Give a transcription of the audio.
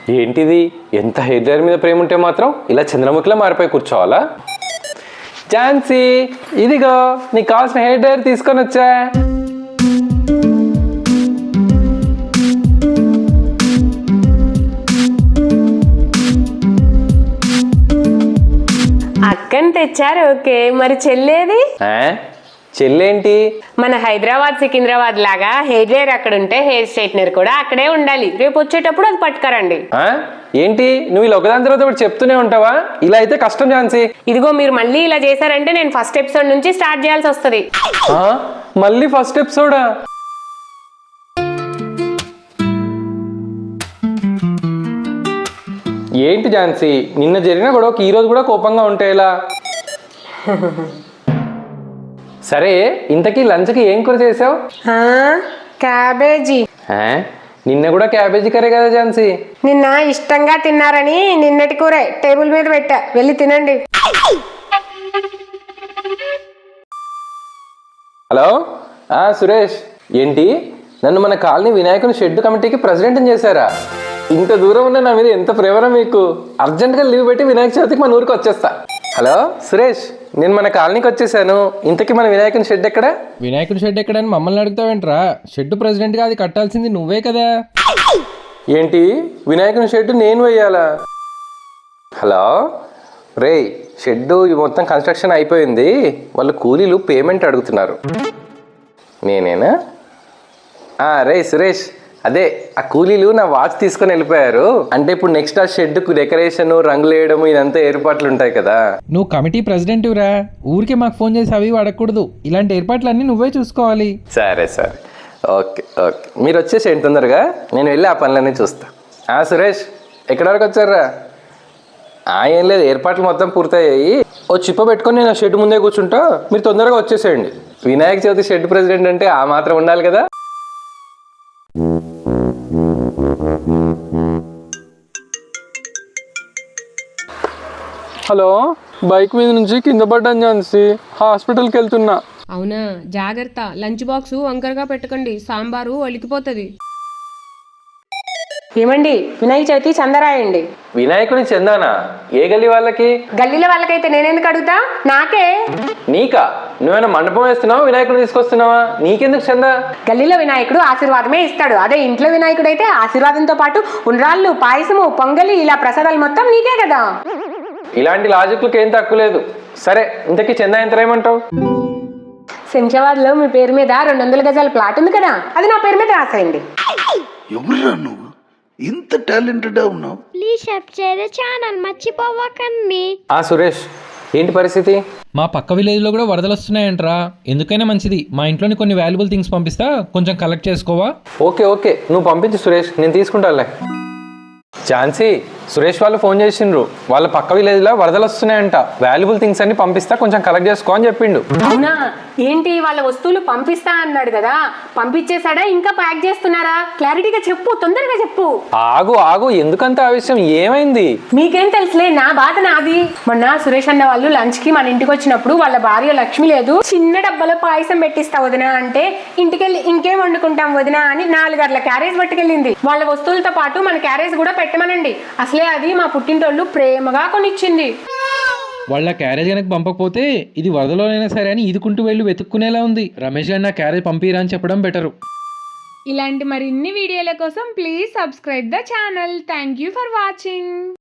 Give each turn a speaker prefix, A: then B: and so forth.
A: ఏంటిది? ఎంత hair dryer మీద ప్రేమ ఉంటే మాత్రం ఇలా చంద్రముఖిలా మారిపోయి కూర్చోవాలా? ఝాన్సీ, ఇదిగో నీకు కావాల్సిన హెయిర్ డ్రైయర్ తీసుకొని వచ్చా.
B: అక్కని తెచ్చారు. ఓకే, మరి చెల్లేది?
A: చెల్లేంటి?
B: మన హైదరాబాద్ సికింద్రాబాద్ లాగా హెయిర్ డ్రైయర్ అక్కడ ఉంటే హెయిర్ స్ట్రైట్నర్ కూడా అక్కడే ఉండాలి. రేపు వచ్చేటప్పుడు అది పట్టుకరండి.
A: ఏంటి నువ్వు ఇలా ఒకదాని తర్వాత ఒకటి చెప్తూనే ఉంటావా? ఇలా అయితే కష్టం ఝాన్సీ.
B: ఇదిగో మీరు మళ్ళీ ఇలా చేశారంటే నేను ఫస్ట్ ఎపిసోడ్ నుంచి స్టార్ట్ చేయాల్సి వస్తుంది.
A: మళ్ళీ ఫస్ట్ ఎపిసోడా? ఏంటి ఝాన్సీ, నిన్న జరిగిన గొడవకి ఈ రోజు కూడా కోపంగా ఉంటే ఎలా? సరే, ఇంతకీ లంచ్కి ఏం కూర చేసావు?
B: క్యాబేజీ.
A: నిన్న కూడా క్యాబేజీ కర్రీ కదా ఝాన్సీ?
B: నిన్న ఇష్టంగా తిన్నారని నిన్నటి కూరే టేబుల్ మీద పెట్టా, వెళ్ళి తినండి.
A: హలో సురేష్, ఏంటి నన్ను మన కాలనీ వినాయకుని షెడ్ కమిటీకి ప్రెసిడెంట్ చేశారా? ఇంత దూరం ఉన్న నా మీద ఎంత ప్రేమరా మీకు. అర్జెంట్గా లీవ్ పెట్టి వినాయక చవితికి మన ఊరికి వచ్చేస్తా. హలో సురేష్, నేను మన కాలనీకి వచ్చేసాను. ఇంతకీ మన వినాయకుని షెడ్ ఎక్కడ?
C: వినాయకుని షెడ్ ఎక్కడని మమ్మల్ని అడుగుతావేంట్రా? షెడ్ ప్రెసిడెంట్గా అది కట్టాల్సింది నువ్వే కదా.
A: ఏంటి వినాయకుని షెడ్ నేను వేయాలా? హలో రే, షెడ్ మొత్తం కన్స్ట్రక్షన్ అయిపోయింది, వాళ్ళు కూలీలు పేమెంట్ అడుగుతున్నారు. నేనేనా? రే సురేష్, అదే ఆ కూలీలు నా వాచ్ తీసుకొని వెళ్ళిపోయారు. అంటే ఇప్పుడు నెక్స్ట్ ఆ షెడ్కు డెకరేషన్, రంగులు వేయడం ఇదంతా ఏర్పాట్లు ఉంటాయి కదా.
C: నువ్వు కమిటీ ప్రెసిడెంట్ రా, ఊరికే మాకు ఫోన్ చేసి అవి అడగకూడదు. ఇలాంటి ఏర్పాట్లన్నీ నువ్వే చూసుకోవాలి.
A: సరే సరే, ఓకే ఓకే, మీరు వచ్చేసేయండి తొందరగా, నేను వెళ్ళి ఆ పనులన్నీ చూస్తా. సురేష్, ఎక్కడి వరకు వచ్చారా? ఏం లేదు, ఏర్పాట్లు మొత్తం పూర్తయ్యాయి. ఓ చిప్ప పెట్టుకొని నేను ఆ షెడ్ ముందే కూర్చుంటా, మీరు తొందరగా వచ్చేసేయండి. వినాయక చవితి షెడ్ ప్రెసిడెంట్ అంటే ఆ మాత్రం ఉండాలి కదా. హలో, బైక్ మీద నుంచి కింద పడ్డాను ఝాన్సీ, హాస్పిటల్కి వెళ్తున్నా.
B: అవునా, జాగ్రత్త. లంచ్ బాక్స్ వంకరగా పెట్టకండి, సాంబారు ఒలికిపోతుంది. ఏమండి, వినాయక చవితి చందరాయండి.
A: వినాయకుని చందానా? ఏ గల్లీ వాళ్ళకి?
B: గల్లీల వాళ్ళకైతే నేనెందుకు అడుగుతా, నాకే.
A: నీకా? నువ్వేమైనా మండపం వేస్తున్నావా, వినాయకుడు తీసుకొస్తున్నావా? నీకెందుకు చందా?
B: గల్లీలో వినాయకుడు ఆశీర్వాదమే ఇస్తాడు, అదే ఇంట్లో వినాయకుడు అయితే ఆశీర్వాదంతో పాటు ఉండ్రాళ్ళు, పాయసము, పొంగలి, ఇలా ప్రసాదాలు మొత్తం నీకే కదా.
A: ఇలాంటి లాజిక్లకు ఏం తక్కువ లేదు. సరే, ఇంతకీ చందా ఎంత ఏమంటావు?
B: శంషాబాద్ లో మీ పేరు మీద 200 గజాల ప్లాట్ ఉంది కదా, అది నా పేరు మీద రాసేయండి.
D: ఎవరురా నువ్వు, ఇంత టాలెంటెడ్ ఉన్నావు?
E: ప్లీజ్ సబ్స్క్రైబ్ ఛానల్ మర్చిపోవకండి.
A: సురేష్, ఏంటి పరిస్థితి?
C: మా పక్క విలేజ్లో కూడా వరదలు వస్తున్నాయంట్రా. ఎందుకైనా మంచిది, మా ఇంట్లోని కొన్ని వాల్యుబుల్ థింగ్స్ పంపిస్తా, కొంచెం కలెక్ట్ చేసుకోవా?
A: ఓకే ఓకే, నువ్వు పంపించు సురేష్, నేను తీసుకుంటానులే. ఝాన్సీ, సురేష్ వాళ్ళు ఫోన్ చేసిండ్రు, వాళ్ళ పక్క విలేజ్లో వరదలు వస్తున్నాయంట, వాల్యుబుల్ థింగ్స్ అన్ని పంపిస్తా, కొంచెం కలెక్ట్ చేసుకో అని చెప్పిండు.
B: అవునా? ఏంటి, వాళ్ళ వస్తువులు పంపిస్తా అన్నాడు కదా, పంపించేశాడా ఇంకా ప్యాక్ చేస్తున్నారా? క్లారిటీగా చెప్పు, తొందరగా చెప్పు.
A: ఆగు, ఎందుకంత ఆవేశం, ఏమైంది?
B: మీకేం తెలుసులే, నా బాధ నాది. మొన్న సురేష్ అన్న వాళ్ళు లంచ్ కి మన ఇంటికి వచ్చినప్పుడు వాళ్ళ భార్య లక్ష్మి లేదు, చిన్న డబ్బాలో పాయసం పెట్టిస్తా వదినా అంటే, ఇంటికెళ్ళి ఇంకేం వండుకుంటాం వదినా అని 4 గర్ల క్యారేజ్ పట్టుకెళ్ళింది. వాళ్ళ వస్తువులతో పాటు మన క్యారేజ్ కూడా పెట్టమనండి, అసలే అది మా పుట్టింటోళ్ళు ప్రేమగా కొనిచ్చింది.
C: వాళ్ళ క్యారేజ్ కనుక పంపకపోతే ఇది వరదలోనైనా సరే అని ఈదుకుంటూ వెళ్ళి వెతుక్కునేలా ఉంది. రమేష్ గారు నా క్యారేజ్ పంపిరా అని చెప్పడం బెటరు.
F: ఇలాంటి మరిన్ని వీడియోల కోసం please subscribe the channel. Thank you for watching.